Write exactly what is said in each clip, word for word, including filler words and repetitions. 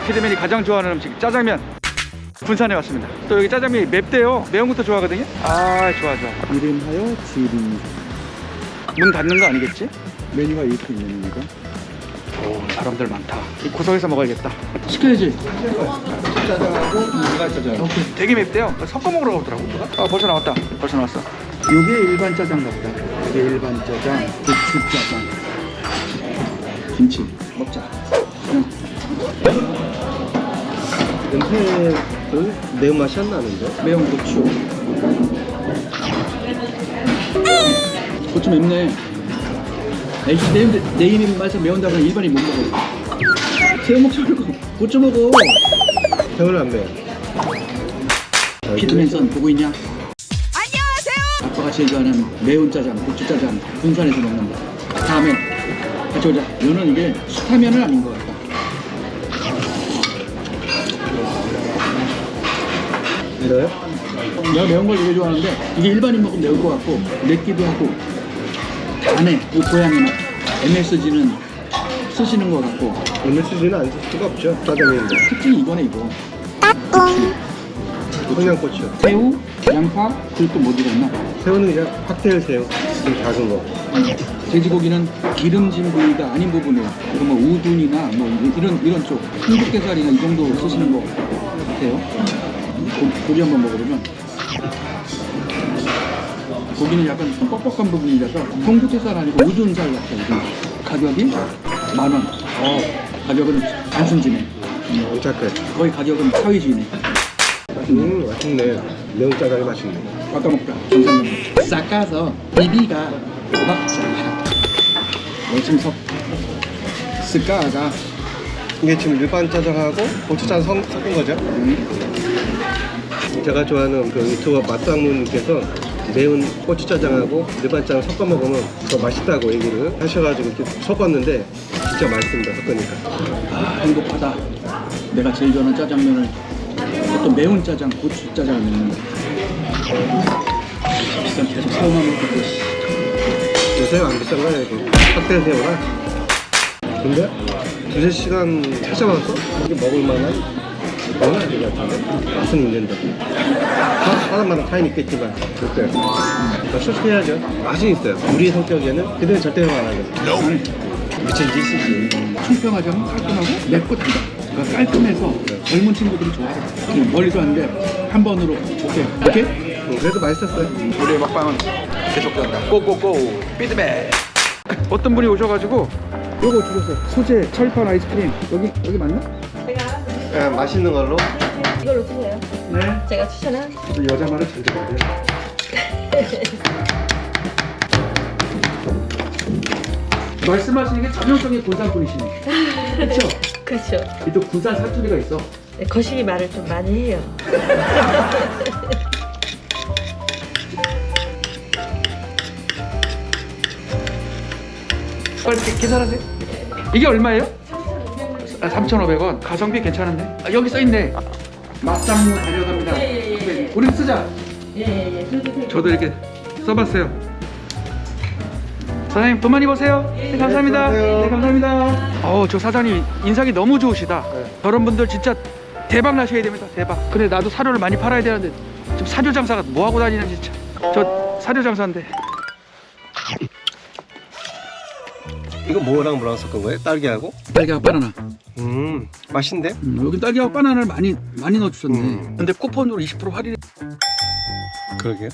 피드맨이 가장 좋아하는 음식 짜장면. 군산에 왔습니다. 또 여기 짜장면이 맵대요. 매운 것도 좋아하거든요. 아, 좋아 좋아. 이름하여 지리. 문 닫는 거 아니겠지? 메뉴가 이렇게 있는 거니까. 오, 사람들 많다. 이 구석에서 먹어야겠다. 시켜야지. 짜장하고 일반 짜장. 오케이. 되게 맵대요. 섞어 먹으라고 하더라고. 아, 벌써 나왔다. 벌써 나왔어. 요게 일반 짜장가 보다. 이게 일반 짜장, 고추 짜장, 김치 먹자. 응. 냄새는 매운맛이 안 나는데? 매운 고추. 고추 맵네. 애기 내, 내 입맛에 매운다고 하면 일반인 못 먹어. 새우 먹지 말고 고추 먹어. 새우는 안 매워. 피드맨선 보고 있냐? 안녕하세요. 아빠가 제일 좋아하는 매운 짜장, 고추 짜장 군산에서 먹는다. 다음에 같이 오자. 너는 이게 수타면은 아닌 것 같다. 이래요? 내가 매운 걸 되게 좋아하는데 이게 일반인 먹으면 매울 것 같고 맵기도 하고 안에 그 고향의 맛 엠에스지는 쓰시는 것 같고 엠에스지는 안 쓸 수가 없죠. 짜장면인데. 특징이 이거네 이거. 청양고추. 새우, 양파, 그리고 또 뭐 들어있나? 새우는 그냥 칵테일 새우. 좀 작은 거. 돼지고기는 기름진 부위가 아닌 부분이에요. 그리고 뭐 우둔이나 뭐 이런 이런 쪽 흥국게살이나 이 정도 쓰시는 것 같아요. 고, 고기 한번 먹어보면 고기는 약간 좀 뻑뻑한 부분이라서 흥국게살 아니고 우둔살 같아요. 우둔. 가격이 만 원. 어, 가격은 단순지네. 음, 착해. 거의 가격은 사위주의네. 음, 맛있네. 매운 짜장이 맛있네. 아까 먹자. 괜찮네. 싹가서 비비가 먹자. 월침석 스카가 이게 지금 일반 짜장하고 고추장 섞- 섞은 거죠? 음. 제가 좋아하는 그 유튜버 맛상무님께서 매운 고추짜장하고 일반 짜장 섞어 먹으면 더 맛있다고 얘기를 하셔가지고 이렇게 섞었는데 진짜 맛있습니다. 섞으니까. 아, 행복하다. 내가 제일 좋아하는 짜장면을 또 매운 짜장, 고추 짜장을 먹는다. 비싼 계속 새우만 먹고 요새 안 비싼가요? 이거 칵테일 새우가? 근데 두세 시간 찾아와서 이게 먹을 만한 그건 아닌 것 같은데 맛은 있는데 사- 사람마다 차이는 있겠지만 어때요? 그러니까 솔직해야죠. 맛은 있어요. 우리 성격에는 그대로 절대 안 하죠. 미친 짓이지. 청평하지 않고 깔끔하고 맵고 달다. 그러니까 깔끔해서 젊은 친구들이 좋아해. 그냥 멀리서 왔는데 한 번으로 오케이 오케이? 음, 그래도 맛있었어요. 우리의 먹방은 계속된다. 고고고 피드백. 어떤 분이 오셔가지고 요거 주셨어요. 소재 철판 아이스크림. 여기 여기 맞나? 제가 네, 맛있는 걸로. 이걸로 드세요. 네. 제가 추천한 여자 말을 잘 들어야 돼. 말씀하시는 게 전형적인 군산 분이시네. 그렇죠? 그렇죠. 또 군산 사투리가 있어. 네, 거시기 말을 좀 많이 해요. 빨리 계- 계산하세요. 이게 얼마예요? 아, 삼천오백 원. 가성비 괜찮은데? 아, 여기 써있네. 맛상무 다녀갑니다. 예, 예, 예, 예. 우리 쓰자. 예예예. 예. 저도 이렇게 써봤어요. 사장님 돈 많이 버세요. 네, 감사합니다. 수고하세요. 네, 감사합니다. 어우, 저 사장님 인상이 너무 좋으시다. 네. 저런 분들 진짜 대박 나셔야 됩니다. 대박. 그래, 나도 사료를 많이 팔아야 되는데 지금 사료 장사가 뭐 하고 다니는지 진짜. 저 사료 장사인데. 이거 뭐랑 뭐랑 섞은 거예요? 딸기하고? 딸기하고 바나나. 음, 맛있는데? 음, 여기 딸기하고 바나나를 많이 많이 넣어주셨네. 음. 근데 쿠폰으로 이십 퍼센트 할인. 그러게요.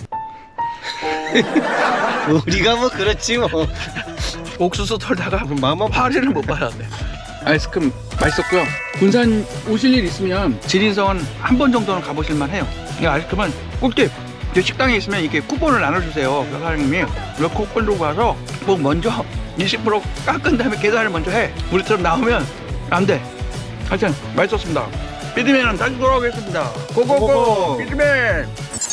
우리가 뭐 그렇지 뭐. 옥수수 털다가 마마 파리를 못 받았네. 아이스크림 맛있었고요. 군산 오실 일 있으면 지린성은 한 번 정도는 가보실만 해요. 이 아이스크림은 꿀팁. 이제 식당에 있으면 이렇게 쿠폰을 나눠주세요. 그 사장님이 그 쿠폰으로 가서 뭐 먼저 이십 퍼센트 깎은 다음에 계산을 먼저 해. 우리처럼 나오면 안 돼. 하여튼 맛있었습니다. 피드맨은 다시 돌아오겠습니다. 고고고 고고고. 피드맨.